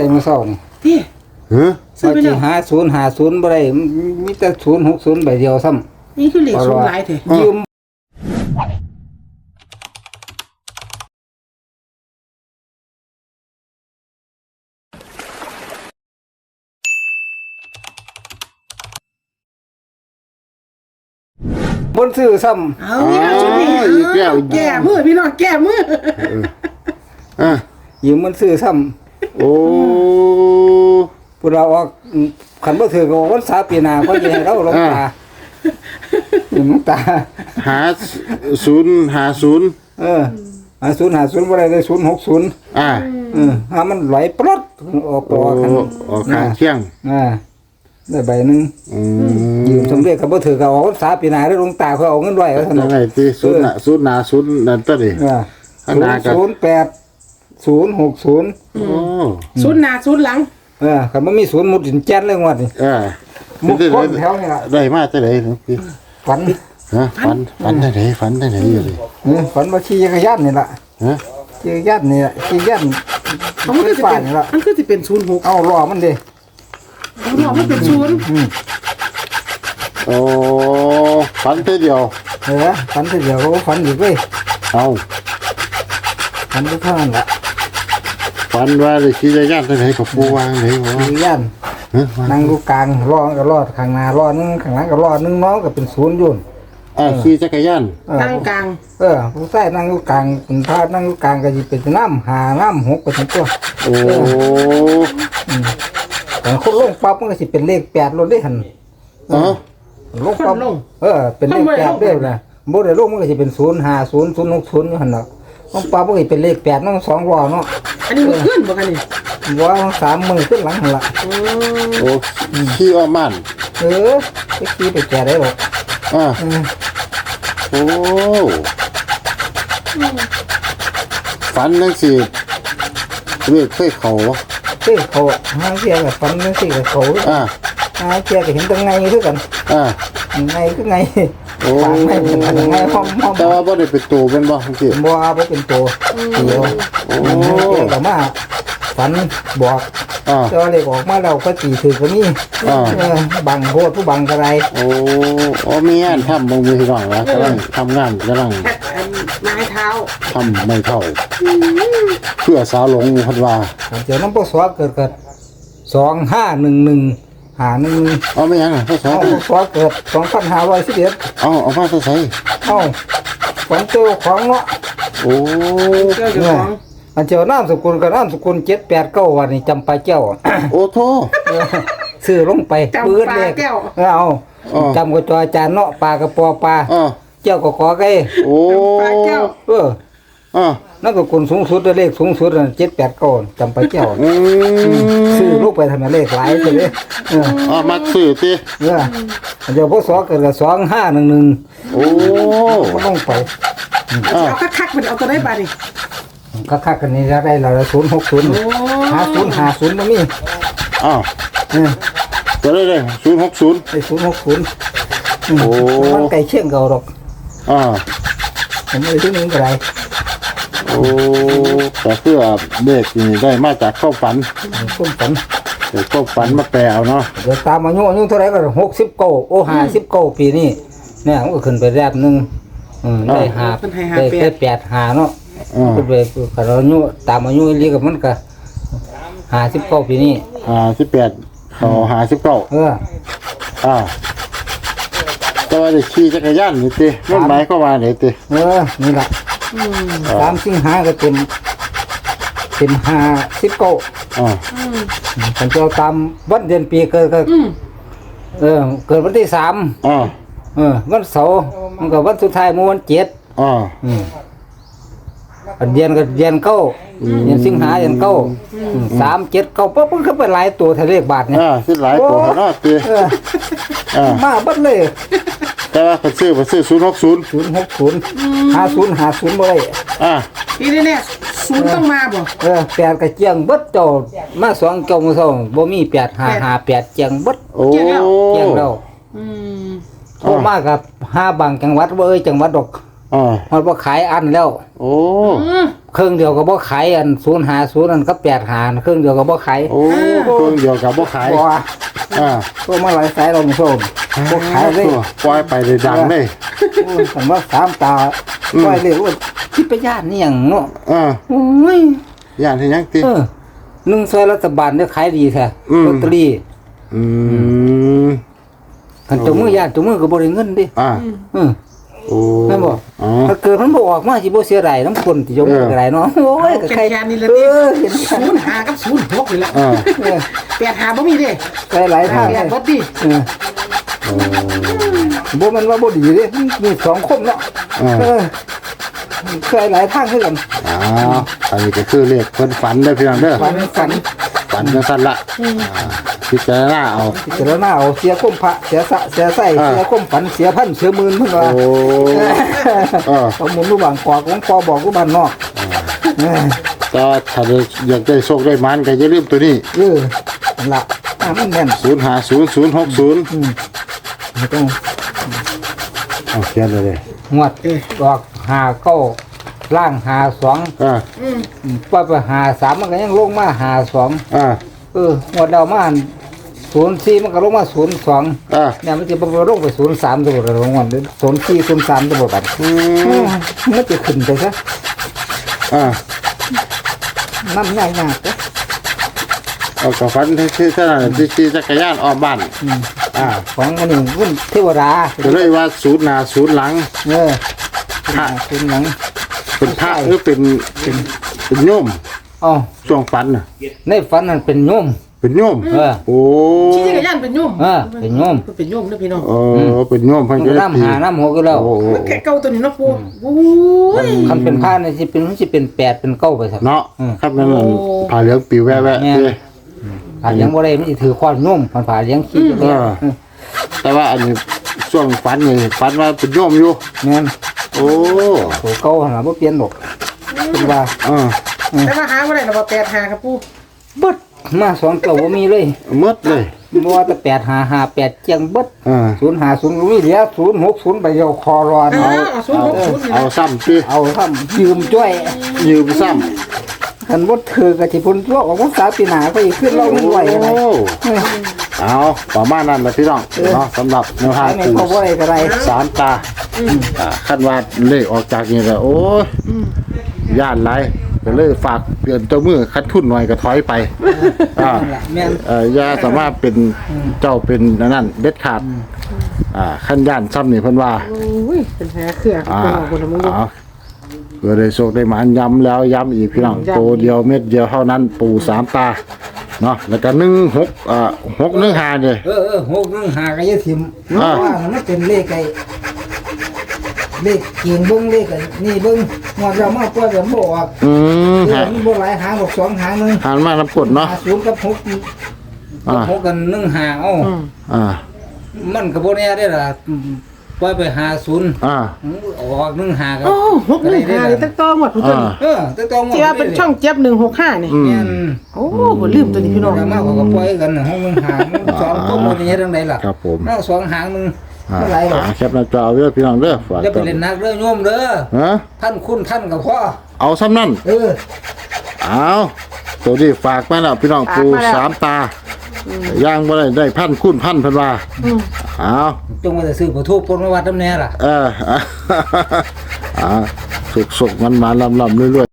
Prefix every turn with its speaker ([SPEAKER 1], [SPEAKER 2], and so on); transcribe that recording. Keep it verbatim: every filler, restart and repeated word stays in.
[SPEAKER 1] ได้มาเศร้านี่
[SPEAKER 2] ที่
[SPEAKER 3] เฮ้ย
[SPEAKER 1] ซื้อไปแล้วหาศูนย์หาศูนย์บ่ได้มีแต่ศูนย์หกศูนย์ใบเดียวซ้ำ
[SPEAKER 2] นี่คือเลขศูนย์หลายเถอะ
[SPEAKER 1] ยืมบนซื้อซ้ำ
[SPEAKER 2] เอาเนี่ยชุดนี้แก้แก้มือพี่น้องแก้มือ
[SPEAKER 3] อ่ะ
[SPEAKER 1] ยืมมันซื้อซ้ำ
[SPEAKER 3] โอ้
[SPEAKER 1] พวกเราออกขันบ่ถือก็วันสาปีหน้าก็จะให้เราลงตาลงตา
[SPEAKER 3] หาศูนย์หาศูนย์
[SPEAKER 1] เออหาศูนย์หาศูนย์บ่ได้เลยศูนย์หกศูนย์
[SPEAKER 3] อ่า
[SPEAKER 1] เออหามันไหลปลดออกตัวกัน
[SPEAKER 3] ออกข้างเที่ยง
[SPEAKER 1] อ่าได้ใบหนึ่งยืมสำเร็จกับบ่ถือก็เอาสาปีหน้าได้ลงตาเขาเอาเงินไว้แล้วซั่นน่ะ
[SPEAKER 3] ไงติศูนย์น่ะศูนย์หน้าศูนย์นั่นตัวดิ
[SPEAKER 1] อ่าศูนย์แปด ศูนย์หกศูนย์
[SPEAKER 3] โอ้
[SPEAKER 2] ศูนย์หน้าศูนย์หลัง
[SPEAKER 1] เออคันบ่มีศูนย์มุดดินแจ้นเลยงวดนี่
[SPEAKER 3] เออ
[SPEAKER 1] มุดคนแถวนี่ล่ะ
[SPEAKER 3] ได้มาจังได๋พี่
[SPEAKER 1] ฝัน
[SPEAKER 3] ฮะฝันฝันได้ไหนฝันได้ไหนอยู่ดิ
[SPEAKER 1] เออฝันว่าขี่จักรยานนี่ล่ะ
[SPEAKER 3] ฮะ
[SPEAKER 1] ขี่จักรยานนี่ล่ะขี่ยัน
[SPEAKER 2] มันคือสิเป็นมันคือสิเป็นศูนย์หก
[SPEAKER 1] เอาล้อมันดิ
[SPEAKER 2] ล้อมันเป็นศูนย์
[SPEAKER 3] โอ้ฝันเท่เดียว
[SPEAKER 1] เออฝันเท่เดียวก็ฝันอีกเว้ย
[SPEAKER 3] เอา
[SPEAKER 1] ฝันเท่านั้นล่ะ
[SPEAKER 3] ฝันว่าได้ขี่จักรยานไปไหนกับปูวางไหนวะ
[SPEAKER 1] ขี่ยันนั่งอยู่กลางล้อก็ล้อข้างหน้าล้อนึงข้างหลังก็ล้อนึงน้องก็เป็นศูนย์อยู่
[SPEAKER 3] อ่าขี่จักรยาน
[SPEAKER 2] ตั้งกลาง
[SPEAKER 1] เออผู้ชายนั่งอยู่กลางเป็นพานั่งอยู่กลางก็สิเป็นน้ำหาน้ำหกไปทั้งตัว
[SPEAKER 3] โอ้
[SPEAKER 1] อืมแต่คนลงปั๊บมันก็สิเป็นเลขแปดลงได้หั่น
[SPEAKER 3] อ๋อ
[SPEAKER 1] ลงปั๊บเออเป็นเลขแปดเด้อนะบ่ได้ลงมันก็สิเป็นศูนย์ห้าศูนย์ ศูนย์หกศูนย์อยู่หั่นน่ะลงปั๊บมันก็เป็นเลขแปดนำสองล้อเนาะ
[SPEAKER 2] อันนี้มันขึ้นบ่กันนี่
[SPEAKER 1] ว่าสามมื้อขึ้นหลังหั่นล่ะ
[SPEAKER 3] โอ้ขี่อ้อมบ้าน
[SPEAKER 1] เออไปขี่ไปแก่ได้บ่
[SPEAKER 3] อ่าโอ้ฝันจังซี่เรียกเคยเข้า
[SPEAKER 1] เฮ้ยเขาหาเสียก็ฝันจังซี่ก็เขา
[SPEAKER 3] อ่า
[SPEAKER 1] หาเสียก็เห็นจังไงคือกัน
[SPEAKER 3] อ่า
[SPEAKER 1] ไงคือไง
[SPEAKER 3] โอ้
[SPEAKER 1] ไม่เป็นไงห้องห้อง
[SPEAKER 3] แต่ว่าบ่ได้เป็นตัวเป็นบ่จังซี่
[SPEAKER 1] บ่บ่เป็นตัวเดียวโอ้ก็มาฝันบอก
[SPEAKER 3] อ่า
[SPEAKER 1] เจ้าเลขออกมาแล้วก็ตีถือก็มี
[SPEAKER 3] อ่า
[SPEAKER 1] บังโหดผู้บังกระไร
[SPEAKER 3] โอ้โอ้มีงานทำบ่มีพี่น้องนะกำลังทำงานกำลัง
[SPEAKER 2] ไม้เท้า
[SPEAKER 3] ทำไม่เท่าเพื่อสาวหลงพัดว่า
[SPEAKER 1] เจ้าน้ำปสวเกิดเกิดสองห้าหนึ่งหนึ่งหาหนึ่ง
[SPEAKER 3] เอาไม่ยังอ่ะพ่อสาว
[SPEAKER 1] ปสวเกิดสองพันห้าร้อยสิบเอ็ด
[SPEAKER 3] เอาเอามาใส่
[SPEAKER 1] เอาฝันเจอของเนาะ
[SPEAKER 3] โอ้
[SPEAKER 2] เจ้าของ
[SPEAKER 1] อันเจ้าน้ำสกุลกับน้ำสกุลเจ็ดแปดเก้าวันนี้จำปาเจ้า
[SPEAKER 3] โอ้โธ่
[SPEAKER 1] ซื้อลงไปปืนเลยเอาจำกับจออาจารย์เนาะปลากระปอปลาเจ้าก็ขอไก่
[SPEAKER 3] โอ้
[SPEAKER 2] ปลาเจ้า
[SPEAKER 1] เออ
[SPEAKER 3] อ่า
[SPEAKER 1] นั่นก็คนสูงสุดเลขสูงสุดเจ็ดแปดเก้าจำปาเจ้าซื้อลูกไปทำเลขหลายเลย
[SPEAKER 3] เอออ่ามาซื้อสิ
[SPEAKER 1] เออเดี๋ยวพวกสอเกิดกับสองห้าหนึ่งหนึ่ง
[SPEAKER 3] โอ้
[SPEAKER 1] ก็ต้องไป
[SPEAKER 2] เอาคักๆมันเอาตัวได้บาดิ
[SPEAKER 1] คักๆกันนี้จะได้เราศูนย์หกศูนย์หาศูนย์หาศูนย์มันนี่
[SPEAKER 3] อ้าวจะได้เลยศูนย์หกศูนย์
[SPEAKER 1] ไอ้ศูนย์หกศูนย์โอ้มันไก่เชี่ยงเก่าหรอก
[SPEAKER 3] อ่า
[SPEAKER 1] ผมไม่ซื้อนึงอะไร
[SPEAKER 3] โอ้แต่เพื่อเด็กนี่ได้มาจากข้าวฝัน
[SPEAKER 1] ข้าวฝัน
[SPEAKER 3] เดี๋ยวข้าวฝันมาแปลเอาเนาะ
[SPEAKER 1] เดี๋ยวตามอายุอายุเท่าไรก็หกสิบเก้าโอ้ห้าสิบเก้าปีนี่เนี่ยมันก็ขึ้นไปแรบหนึ่งได้หาได้แปดหาเนาะก็ไปขนาดอายุตามอายุเรียกกับมันก็ห้าสิบเก้าปีนี่
[SPEAKER 3] ห้าสิบแปดเขาห้าสิบเก้า
[SPEAKER 1] เออ
[SPEAKER 3] อ่าแต่ว่าจะขี่จักรยานนี่ติมันหมายก็ว่าไหนติ
[SPEAKER 1] เออนี่แหละสามสิงหาก็เต็มเต็มห้าสิบเก้า
[SPEAKER 3] อ่า
[SPEAKER 1] ฉันจะตามวันเดือนปีเกิดก็เออเกิดวันที่สาม
[SPEAKER 3] อ่า
[SPEAKER 1] เออวันเสาร์มันก็วันสุดท้ายมื้อวันเจ็ด
[SPEAKER 3] อ่า
[SPEAKER 1] อืมเดือนก็เดือนเก้าเดือนสิงหาเดือนเก้าสามเจ็ดเก้าปั๊บมันก็เป็นหลายตัวทะเลบาทเนี่ย
[SPEAKER 3] อ่าสิหลายตัวเนาะติ
[SPEAKER 1] อ่ามาบัดเลย
[SPEAKER 3] แต่ว่าเขาซื้อเขาซื้อศูนย์หกศูนย์
[SPEAKER 1] ศูนย์หกศูนย์ห้าศูนย์ห้าศูนย์บ่ได้
[SPEAKER 3] อ่า
[SPEAKER 2] นี่แน่ๆศูนย์ต้องมาบ่
[SPEAKER 1] เออแปดกระเจียงเบิดเจ้ามาสองเก้ามื้อเช้าบ่มีแปดห้าห้าแปดเจียงเบิด
[SPEAKER 3] โอ้
[SPEAKER 1] เจียงแล้วอืมโทรมากับห้าบางจังหวัดบ่เอ้ยจังหวัดดอก
[SPEAKER 3] อ่า
[SPEAKER 1] มันบ่ขายอันแล้ว
[SPEAKER 3] โอ้
[SPEAKER 1] เครื่องเดียวก็บ่ขายอันศูนย์หาศูนย์อันก็แปดหาเครื่องเดียวก็บ่ขาย
[SPEAKER 3] โอ้เครื่องเดียวกับบ่ขาย
[SPEAKER 1] บ่ว่า
[SPEAKER 3] อ่า
[SPEAKER 1] ตัวมาหลายสายเราไม่ชมบ่ขายเลย
[SPEAKER 3] ปล่อยไปเลยดังเลย
[SPEAKER 1] โอ้ยผมว่าสามตา
[SPEAKER 3] อืม
[SPEAKER 1] ปล่อยเลยว่าคิดไปย่านนี่หยังเนาะ
[SPEAKER 3] อ่า
[SPEAKER 1] โอ้ย
[SPEAKER 3] ย่านที่ยังติ
[SPEAKER 1] เออหนึ่งซอยรัฐบาลเนี่ยขายดีแท้
[SPEAKER 3] อืม
[SPEAKER 1] ลอตเตอรี่
[SPEAKER 3] อืม
[SPEAKER 1] คันเจามือย่านเจามือก็บ่ได้เงินดิ
[SPEAKER 3] อ่า
[SPEAKER 1] เออ
[SPEAKER 3] โอ้
[SPEAKER 1] แม่นบ่
[SPEAKER 3] อ๋อ
[SPEAKER 1] ถ้าเกิดมันบ่ออกมาสิบ่เสียดายน้ำคนที่เจามือก็ได้เนาะโอ้ยก็
[SPEAKER 2] แค่
[SPEAKER 1] ใคร
[SPEAKER 2] แค่นี้ละ
[SPEAKER 1] เอ
[SPEAKER 2] นี่
[SPEAKER 1] อเห็น
[SPEAKER 2] ศูนย์หากับศูนย์หกเลยละ
[SPEAKER 3] อ่า
[SPEAKER 1] เออ
[SPEAKER 2] แปดหาบ่มีเด้
[SPEAKER 1] ใครหลายทาง
[SPEAKER 2] แป
[SPEAKER 1] เล
[SPEAKER 2] ด
[SPEAKER 1] ย
[SPEAKER 2] บ่ดี
[SPEAKER 1] เออ
[SPEAKER 3] โอ้
[SPEAKER 1] บ่แมันว่าบ่ดีเด้มีสองคมเนาะ
[SPEAKER 3] อ่า
[SPEAKER 1] เออเคยหลายทางคือกัน
[SPEAKER 3] อ้าวอันนี้ก็คือเลขเพิ่นฝันได้อพี่น้องเด้อ
[SPEAKER 1] ฝันฝัน
[SPEAKER 3] ฝันจังซั่นละอ่าพิจารณาเอา
[SPEAKER 1] พิจารณาเอาเสียก้มพระเสียสะเสียไส้
[SPEAKER 3] อ่า
[SPEAKER 1] เสียก้มฝันเสียพันเสียหมื่นเพิ่นว่า
[SPEAKER 3] โอ้เออ
[SPEAKER 1] เอาหมุนรูปบางกอกของพอบอกรูปบ้านนอกเออ
[SPEAKER 3] ก็ถ้าได้อยากได้โชคได้หมันก็อย่าลืมตัวนี้
[SPEAKER 1] เออนั่นละอ่ามันแม่น
[SPEAKER 3] ศูนย์ห้าศูนย์ ศูนย์หกศูนย์
[SPEAKER 1] อืมไม่ต้อง
[SPEAKER 3] เอาเขียนเลยเด้
[SPEAKER 1] งวดออกหาเก้าล่างหาสอง
[SPEAKER 3] อ่า
[SPEAKER 1] อืมว่าไปหาสามมันก็ยังลงมาหาสอง
[SPEAKER 3] อ่า
[SPEAKER 1] เอองวดเดามาศูนย์สี่มันก็ลงมาศูนย์สอง
[SPEAKER 3] อ่า
[SPEAKER 1] เนี่ยมันจะบลงไปศูนย์สามตัวละงวดศูนย์สี่ศูนย์สามตัวกัน
[SPEAKER 3] อื
[SPEAKER 1] อื
[SPEAKER 3] ม
[SPEAKER 1] มมันจะขึ้นไปซะ
[SPEAKER 3] อ่า
[SPEAKER 1] น้ำยากยากๆเด้อ
[SPEAKER 3] เอากับฝันที่ที่ท่านที่ขี่จักรยานออกบ้าน
[SPEAKER 1] อืม
[SPEAKER 3] อ่า
[SPEAKER 1] ของอันนี้วุ่นเทวดา
[SPEAKER 3] ก็เลยว่าศูนย์หน้าศูนย์หลัง
[SPEAKER 1] เออพระคุณหนัง
[SPEAKER 3] เป็นพระหรือเป็นเป็นเป็นโยม
[SPEAKER 1] อ๋อ
[SPEAKER 3] ช่วงฝันน่ะ
[SPEAKER 1] ในฝันนั้นเป็นโยม
[SPEAKER 3] เป็นโยม
[SPEAKER 1] เออ
[SPEAKER 3] โอ้
[SPEAKER 2] ขี่จักรยานเป็นโยม
[SPEAKER 1] เออเป็นโยม
[SPEAKER 2] เป็นโยมนะพี่น้อง
[SPEAKER 3] เออเป็นโยมเพิ่น
[SPEAKER 1] มัน
[SPEAKER 3] ก็
[SPEAKER 1] ก็
[SPEAKER 3] เลย
[SPEAKER 1] น้ำหาน้ำหัวก็แล้ว
[SPEAKER 3] โอ้โห
[SPEAKER 2] แค่เก่าตัวนี้เนาะปูโอ้ย
[SPEAKER 1] คันเป็นผ้าเนี่ยสิเป็นมันสิเป็นแปดเป็นเก้าไปสัก
[SPEAKER 3] เนาะ
[SPEAKER 1] อืม
[SPEAKER 3] ครับนั่นน่ะผ่าเหลืองปิวแวะแวะ
[SPEAKER 1] แม่น
[SPEAKER 3] เด้
[SPEAKER 1] ผ่าเลี้ยงบ่ได้มันสิถือควานโยมผ่านผ่าเลี้ยงขี้อยู่
[SPEAKER 3] เอ
[SPEAKER 1] เนี่ย
[SPEAKER 3] อ แต่ว่าอันนี้ช่วงฝันนี่ฝันว่าเป็นโยมอยู่
[SPEAKER 1] แม่น
[SPEAKER 3] โอ้
[SPEAKER 1] โหเก่าหาบ่เปลี่ยนดอกเป็นว่า
[SPEAKER 3] เออ
[SPEAKER 2] แต่ว่าหาบ่ได้ดอกว่าแปดหาครับปู
[SPEAKER 1] เบิดมาสองเก่าบ่มีเลย
[SPEAKER 3] หมดเลย
[SPEAKER 1] บ่ว่าแต่แปดหาหาแปดเจียงเบิด
[SPEAKER 3] เออ
[SPEAKER 1] ศูนย์หาศูนย์ก็มีเหลือศูนย์หกศูนย์ไปเดียวคอรอน
[SPEAKER 2] เอา
[SPEAKER 1] เอา
[SPEAKER 2] ศูนย์หกศูนย์นี่
[SPEAKER 3] เอา
[SPEAKER 2] นะ
[SPEAKER 3] ซ้ำติ
[SPEAKER 1] เอาทำยืมจ้วย
[SPEAKER 3] ยืมซ้
[SPEAKER 1] คันบ่ถือกะสิพุ่นตัวออกภาษาปีหน้าก็อีกขึ้น
[SPEAKER 3] ำ
[SPEAKER 1] เราไม่ไหวอะไร
[SPEAKER 3] โอ้เอาประมาณนั้นแหละพี่น้องเนาะสำหรับแนวทาง
[SPEAKER 1] ไม่
[SPEAKER 3] คือ
[SPEAKER 1] เขาบ่ได้ก็ได้
[SPEAKER 3] สามตาอ่าคันว่าเลขออกจากนี่ก็โอ้ยย่านไรก็เลยฝากเตือนเจ้ามือคัดทุนหน่อยก็ถอยไปอ่า
[SPEAKER 1] นั่นล่ะแม่น
[SPEAKER 3] เอ่อย่าสามารถเป็นเจ้าเป็นอันนั่นเด็ดขาดอ่าขั้นย่านซ้ำนี่เพิ่นว่า
[SPEAKER 2] โอ้ยเป็นแผลเครือ
[SPEAKER 3] อ่า
[SPEAKER 2] เป็นหมอคนละมึงดู
[SPEAKER 3] เอาเพื่อได้โชคได้หมานย้ำแล้วย้ำอีกพี่น้อง
[SPEAKER 2] ย้ำ
[SPEAKER 3] โตเดียวเม็ดเดียวเท่านั้นปูสามตาเนาะแล้วก็หนึ่งหกอ่าหกหนึ่งห้าเนี่ย
[SPEAKER 1] เออเออหกหนึ่งหาก็อย่าทิ่มเพ
[SPEAKER 3] อ่า
[SPEAKER 1] ราะว่ามันเป็นเลขไอ้เลขเกียงเบิ่งเลขไอ้นี่เบิ่งงวดเรามาปล่อยแบบบ่ออก
[SPEAKER 3] อืม
[SPEAKER 1] เอ
[SPEAKER 3] ฮะ
[SPEAKER 1] อมันบ่หลายหางดอกสองหางหนึง
[SPEAKER 3] หันมาน้ำกดเนาะ
[SPEAKER 1] หาศูนย์กับหก
[SPEAKER 3] อ่า
[SPEAKER 1] หกกันหนึ่งหาเอ้า
[SPEAKER 3] อ่า
[SPEAKER 1] มันก็บ่แน่ได้ล่ะปล่อยไปหาศูนย์
[SPEAKER 3] อ่า
[SPEAKER 1] ออกหนึ่งหาก็
[SPEAKER 2] โอ้หกหนึ่งห้านี่ตั้งต้อหมดตัวนี้
[SPEAKER 1] เออตั้งแต่หมด
[SPEAKER 2] ที่ว่าเป็นช่องเจ็บหนึ่งหกห้านี่
[SPEAKER 3] อืม
[SPEAKER 1] แม่น
[SPEAKER 2] โอ้ผมลืมตัวนี้พี่น้อง
[SPEAKER 1] เรามาเขาก็ปล่อยกันน่ะห้องหนึงหางสองก็บ่ได้เฮ็ดจังไดล่ะ
[SPEAKER 3] ครับผม
[SPEAKER 1] เอาสองหางหนึง
[SPEAKER 3] อ่า
[SPEAKER 1] บ่หลายหรอก
[SPEAKER 3] แคปหน้าจอเอาไว้เด้อพี่น้องเด้อฝาก
[SPEAKER 1] อย่าไปเล่นนักเด้อโยมเด้อ
[SPEAKER 3] ฮะ
[SPEAKER 1] ท่านคุณท่านก็พอ
[SPEAKER 3] เอาซ้ำนั่น
[SPEAKER 1] เออ
[SPEAKER 3] เอาตัวนี้ฝากมาแล้วพี่น้องปูสามตาย่างบ่ได้ได้พันคุณพันเพิ่นว่าเอา
[SPEAKER 1] จงว่าจะซื้อบ่ถูกปนมาวัดน้ำแน่ล่ะ
[SPEAKER 3] เออ อ่าสุกๆมันมาลำๆเรื่อยๆ